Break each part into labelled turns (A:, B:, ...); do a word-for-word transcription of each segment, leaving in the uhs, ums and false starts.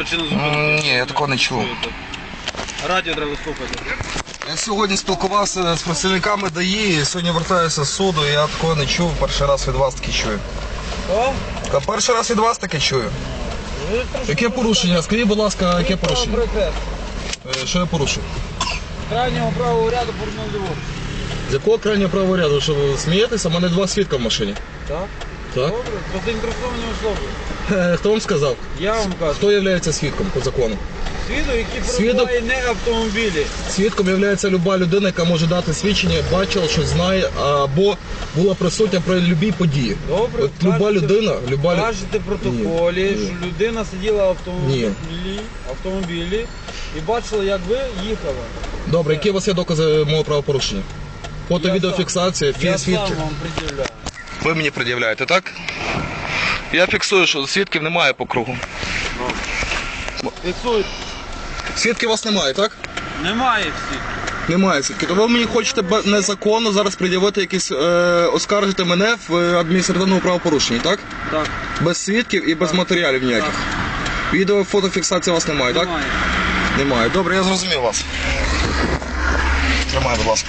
A: причину зупинки?
B: Ні, я такого не чув.
A: Радіо треба слухати.
B: Я сьогодні спілкувався з працівниками ДАІ, сьогодні вертаюся з суду, і я такого не чув, перший раз від вас таки чую.
A: Що?
B: Та перший раз від вас таки чую. Яке порушення? Скажіть, будь ласка, яке порушення? Е, Що я порушив?
A: Крайнього правого ряду порушено ліворуч.
B: З якого крайнього правого ряду? Що ви смієтеся? У мене два свідка в машині.
A: Так?
B: Так?
A: Добре, розінтересовані особи.
B: Е, Хто вам сказав?
A: Я вам кажу.
B: Хто є свідком по закону?
A: Свідок, який
B: Свідок?
A: перебуває не автомобілі.
B: Свідком є люба людина, яка може дати свідчення, бачила, що знає, або була присутня при будь-якій події.
A: Добре,
B: От люба
A: кажете-
B: людина, люба лю-
A: Кажете в протоколі,
B: Ні, ні.
A: що людина сиділа в автомобілі, автомобілі і бачила, як ви їхали.
B: Добре, які у вас є докази мого правопорушення? Фото,
A: Я
B: відеофіксація,
A: Я
B: свідки.
A: сам вам приділяю.
B: Ви мені пред'являєте, так? Я фіксую, що свідків немає по кругу.
A: Фіксуйте.
B: Свідків у вас немає, так?
A: Немає всіх.
B: Немає свідків. То ви мені хочете бе- незаконно зараз пред'явити якісь, е, оскаржити мене в е, адміністративному правопорушенні, так?
A: Так.
B: Без свідків і без матеріалів ніяких. Відео, фотофіксації у вас немає, так?
A: Немає.
B: Немає. Добре, я зрозумів вас. Тримай, будь ласка.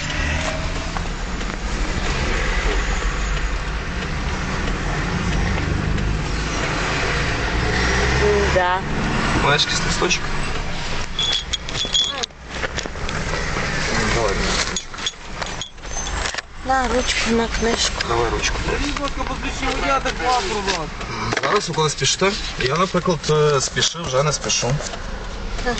C: Да.
B: Маєш якийсь листочок? Давай, мені листочок.
C: На ручку, на книжку.
B: Давай ручку.
A: Будь ласка, посвідчення водія, так вам, будь ласка.
B: Зараз ви коли спішите? Я, наприклад, е, спішив, вже не спішу.
C: Так.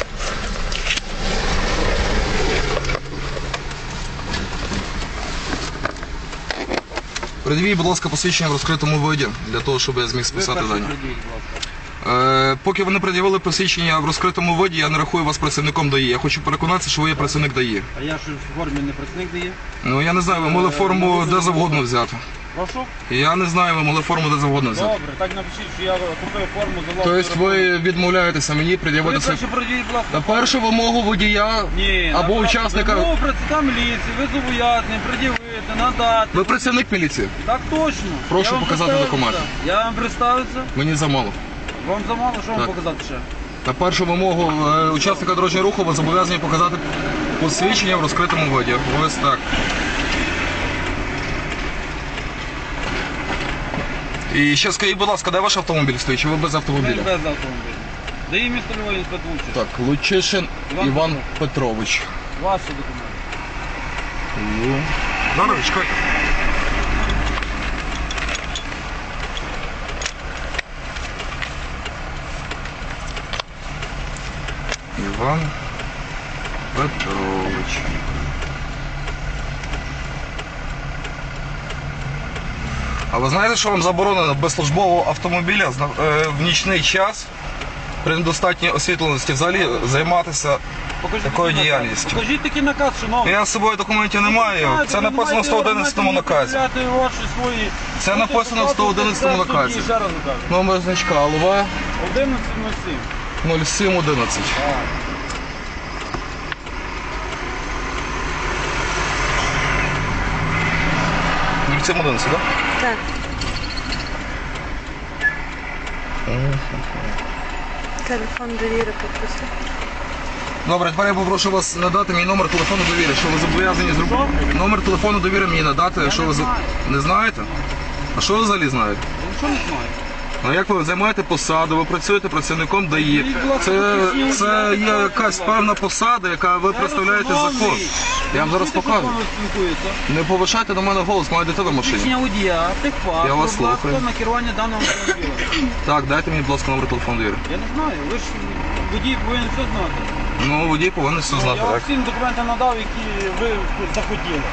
B: Придивіть, будь ласка, посвідчення в розкритому виді, для того, щоб я зміг
A: Ви
B: списати
A: перший
B: дані.
A: придіть, будь ласка.
B: Е, поки ви не пред'явили посвідчення в розкритому виді, я не рахую вас працівником ДАІ. Я хочу переконатися, що ви є працівник ДАІ.
A: А я що в формі не працівник дає?
B: Ну, я не знаю, ви могли форму де завгодно взяти.
A: Прошу?
B: Я не знаю, ви могли форму де завгодно взяти.
A: Добре, так напишіть, що я купив форму за власний
B: Тобто ви відмовляєтеся мені
A: Ви
B: пред'явити свій...
A: перше придіть, будь ласка.
B: На першу вимогу водія
A: Ні,
B: або
A: на-
B: учасника...
A: Вимогу працівника міліції, ви зобов'язані пред'явити, надати.
B: Ви працівник міліції?
A: Так точно.
B: Прошу
A: Я вам
B: показати
A: представився.
B: документи.
A: Я вам представився.
B: Мені замало.
A: Вам замало, що вам
B: Так.
A: показати ще?
B: На першу вимогу е, учасника дорожнього руху ви зобов'язані показати посвідчення в розкритому виді. Ось так. І ще скажіть, будь ласка, де ваш автомобіль стоїть? Чи ви без
A: Ми
B: автомобіля?
A: без автомобіля. Дає місто Львова інспектор.
B: Так, Лучишин
A: Іван
B: Іван Петрович.
A: Ваші документи.
B: Зараз, чекайте. Іван Петрович. А ви знаєте, що вам заборонено без службового автомобіля зна- е, в нічний час при недостатній освітленості взагалі займатися
A: Покажіть
B: такою
A: такий наказ.
B: діяльністю?
A: Покажіть такий наказ, шановний.
B: Я з собою документів не маю. Це написано в сто одинадцятому наказі. Це написано в сто одинадцятому наказі.
A: Ще раз кажу.
B: Номер значка ЛВ
A: одинадцять нуль сім.
B: нуль сім одинадцять. нуль сім одинадцять, так?
C: Так. Телефон довіри попросив.
B: Добре, тепер я попрошу вас надати мій номер телефону довіри, що ви зобов'язані зробити. Номер телефону довіри мені надати, що ви за- не знаєте? А що ви взагалі знаєте?
A: Я нічого не знаю.
B: Ну як ви займаєте посаду, ви працюєте працівником ДАІ. Це, це є якась певна посада, яка ви представляєте закон. Я вам зараз покажу. Не повишайте до мене голос, моя дитина в машині.
A: Посвідчення водія, техпаспорт,
B: Я вас
A: будь ласка,
B: слухаю.
A: на керування даного автомобіля.
B: Так, дайте мені, будь ласка, номер телефону довіри.
A: Я не знаю, ви ж водій повинен все знати.
B: Ну, водій повинен все знати,
A: Я вам
B: так?
A: всі документи надав, які ви захотіли.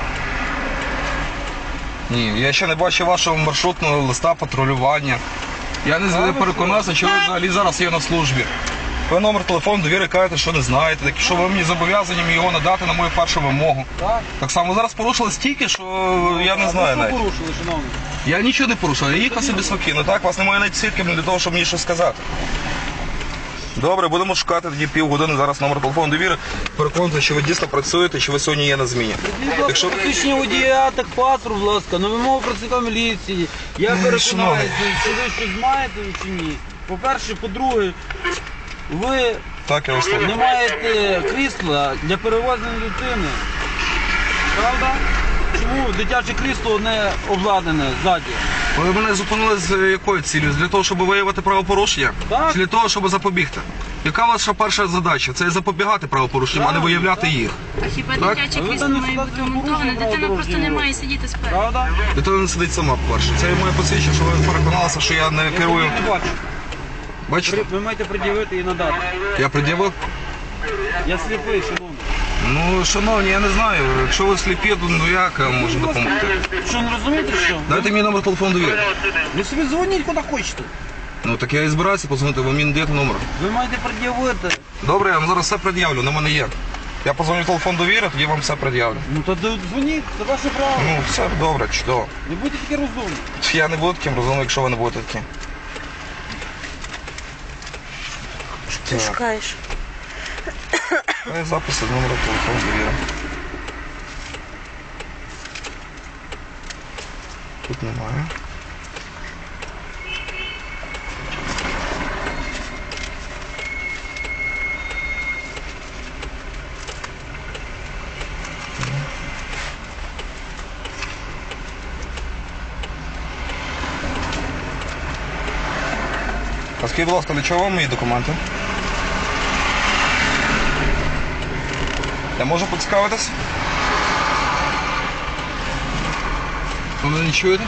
B: Ні, я ще не бачив вашого маршрутного листа патрулювання. Я не
A: ви
B: переконався, що ви взагалі зараз є на службі. Ви номер телефону довіри кажете, що не знаєте, так що ви мені зобов'язані мені його надати на мою першу вимогу.
A: Так?
B: Так само ви зараз порушили стільки, що я не
A: А
B: знаю
A: ви що
B: навіть.
A: порушили, шановний?
B: Я нічого не порушив, я їхав собі спокійно, так? Вас немає навіть свідків для того, щоб мені щось сказати. Добре, будемо шукати тоді півгодини зараз номер телефону довіри. Переконуйте, що ви дійсно працюєте, що ви сьогодні є на зміні.
A: Якщо посвідчення водія, так паспорт, будь ласка, на вимогу працівника міліції. Я
B: шановний.
A: переконаюся, чи ви щось знаєте чи ні. По-перше, по-друге, Ви
B: Так, я вас
A: не
B: слухаю.
A: маєте крісла для перевезення дитини. Правда? Чому дитяче крісло не обладнане ззаді?
B: Ви мене зупинили з якою цілею? Для того, щоб виявити правопорушення?
A: Так.
B: Чи для того, щоб запобігти? Яка ваша перша задача? Це запобігати правопорушенням, а не виявляти їх.
D: А хіба
A: А
B: Так?
D: дитяче
A: ви
D: крісло
A: там не
D: має бути
A: сідати
D: вмонтоване?
A: порушення
D: Дитина просто не
A: правил
D: має сидіти спереду.
A: Правда?
B: Дитина не сидить сама, по-перше. Це моє посвідчення, що ви переконалися, що я не
A: Я
B: керую.
A: тоді не бачу.
B: Бачите?
A: При- Ви маєте пред'явити і надати.
B: Я пред'явив.
A: Я сліпий, шановний.
B: Ну, шановні, я не знаю. Якщо ви сліпі, то ну як я вам можу допомогти?
A: Що, не розумієте, що?
B: Дайте мені номер телефону довіри.
A: Ви собі дзвоніть куди хочете.
B: Ну так я і збираюся позвонити, ви мені не даєте номер.
A: Ви маєте пред'явити.
B: Добре, я вам зараз все пред'явлю, на мене є. Я позвоню в телефон довіри, тоді вам все пред'явлю.
A: Ну то дзвоніть, це ваше право.
B: Ну, все добре, чудово.
A: Не будьте такі розумні.
B: Я не буду таким розумним, якщо ви не будете таким.
C: Ти
B: Так.
C: шукаєш.
B: Це записи з номера телефону довіри. Тут немає. А скажіть, будь ласка, для чого вам мої документи? Я можу поцікавитись? Ви мене не чуєте?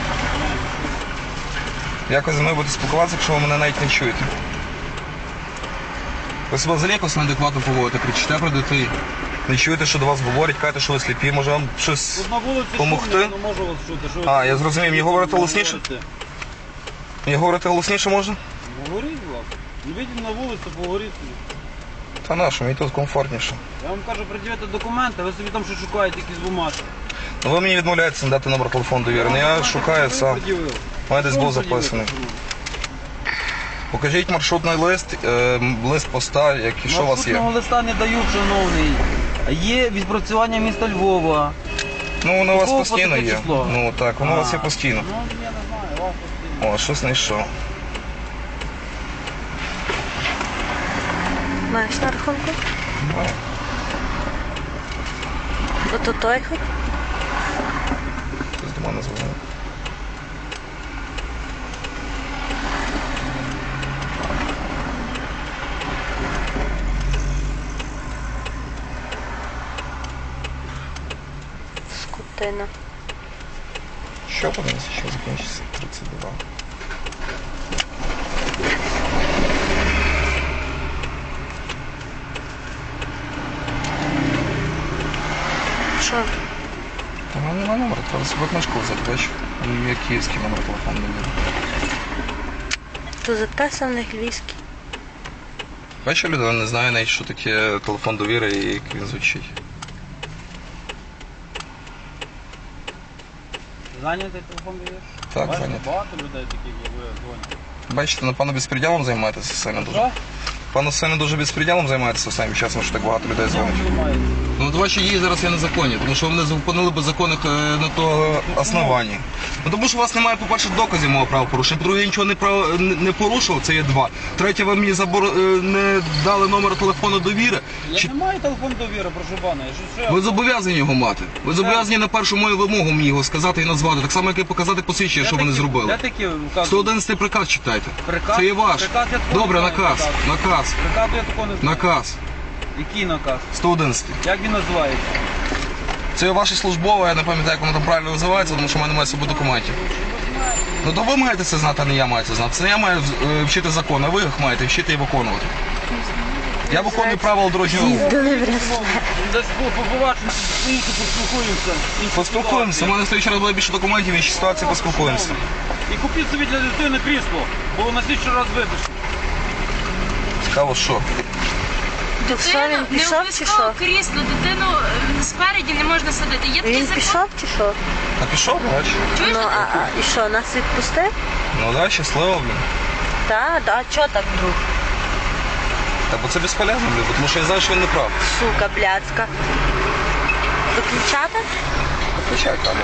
B: Якось зі мною будете спілкуватися, якщо ви мене навіть не чуєте. Ви себе взагалі якось неадекватно поводите, кричите про дітей. Не чуєте, що до вас говорять, кажете, що ви сліпі, може вам щось...
A: Тут на вулиці
B: Помогти?
A: шумно, я не можу вас чути. Що ви
B: А,
A: тут
B: я зрозумів. Мені говорити голосніше?
A: говорите?
B: Мені говорити голосніше можна?
A: Говоріть, будь ласка. Не вийдіть на вулицю, поговоріть собі.
B: Та нащо, мені тут комфортніше.
A: Я вам кажу, пред'явити документи, ви собі там що шукаєте, якісь бумажки.
B: Ну ви мені відмовляєтеся надати номер телефону довіри. Ну я шукаю сам.
A: Пред'явив.
B: У мене десь
A: Що
B: був
A: ви пред'явили?
B: записаний. Покажіть маршрутний лист, е, лист поста, який що у вас є.
A: Маршрутного листа не дають, шановний. Є відпрацювання міста Львова.
B: Ну воно у вас
A: Якого
B: постійно
A: таке
B: є.
A: число?
B: Ну так, воно у вас є
A: А,
B: постійно.
A: Ну, я не знаю, у вас постійно.
B: О, щось знайшов.
C: Маєш на рахунку?
B: Маю.
C: Ото той хоч?
B: Хтось до мене дзвонив.
C: Скотина.
B: Що подивимося, що закінчиться тридцять два.
C: Що?
B: Та в мене немає номера, треба себе книжку взяти, бачиш? Є київський номер телефону довіри.
C: То записаний львівський.
B: Бачиш, людина не знає навіть, що таке телефон довіри і як він звучить.
A: Зайнятий телефон даєш?
B: Так,
A: Бачите,
B: зайнятий.
A: багато людей таких, як ви дзвонять.
B: Бачите, напевно, безпреділом займаєтеся сильно дуже.
A: Що?
B: Пане сильно дуже безпреділом займаєтеся останнім часом, що так багато людей дзвонить.
A: Займається.
B: Ну, от ваші дії зараз є незаконні, тому що ви мене зупинили без законних е, на того основанні. Ну, тому що у вас немає, по-перше, доказів мого правопорушення. По-друге, я нічого не, прав... не- не порушував, це є два. Третє, ви мені забор... е, не дали номер телефону довіри.
A: Я
B: Чи...
A: не маю телефон довіри, прошу пана. Я що, що?
B: Ви зобов'язані його мати. Ви зобов'язані на першу мою вимогу мені його сказати і назвати. Так само, як і показати посвідчення, що ви не зробили.
A: Де такі вказують?
B: сто одинадцятий приказ читайте.
A: Приказ?
B: Це є ваш.
A: Приказ я такого
B: Добре,
A: не знаю,
B: наказ.
A: приказ.
B: Наказ.
A: Приказу я такого не знаю.
B: Наказ.
A: Який наказ?
B: сто одинадцятий.
A: Як він називається?
B: Це є ваше службове, я не пам'ятаю, як воно там правильно називається, тому що в мене немає з собою документів. Ну то ви маєте це знати, а не я маю це знати. Це не я маю е, вчити закон, а ви їх маєте вчити і виконувати. Я виконую правила дорожнього руху.
C: Їздили в ресторан.
A: Десь побачимо, інше поспілкуємося. Інші
B: Поспілкуємося. У
A: ситуації.
B: мене стоїть раз буде більше документів, інші ситуації поспілкуємося.
A: І купіть собі для дитини крісло, бо на слідчий раз випишуть.
B: Цікаво, що?
C: То що, він
D: Дитину, не
C: пішов чи
D: обов'язково
C: що?
D: крісло, дитину е, спереді не можна садити. Є такий
C: Він
D: закон.
C: пішов чи що?
B: А пішов, бач?
D: Чуєш?
C: Ну, а, а і що, нас відпустив?
B: Ну да, щасливо, блін.
C: Так, а чого так вдруг?
B: Та бо це безполезно, блін, бо тому що я знаю, що він не прав.
C: Сука, блядська. Виключати?
B: Включай камеру.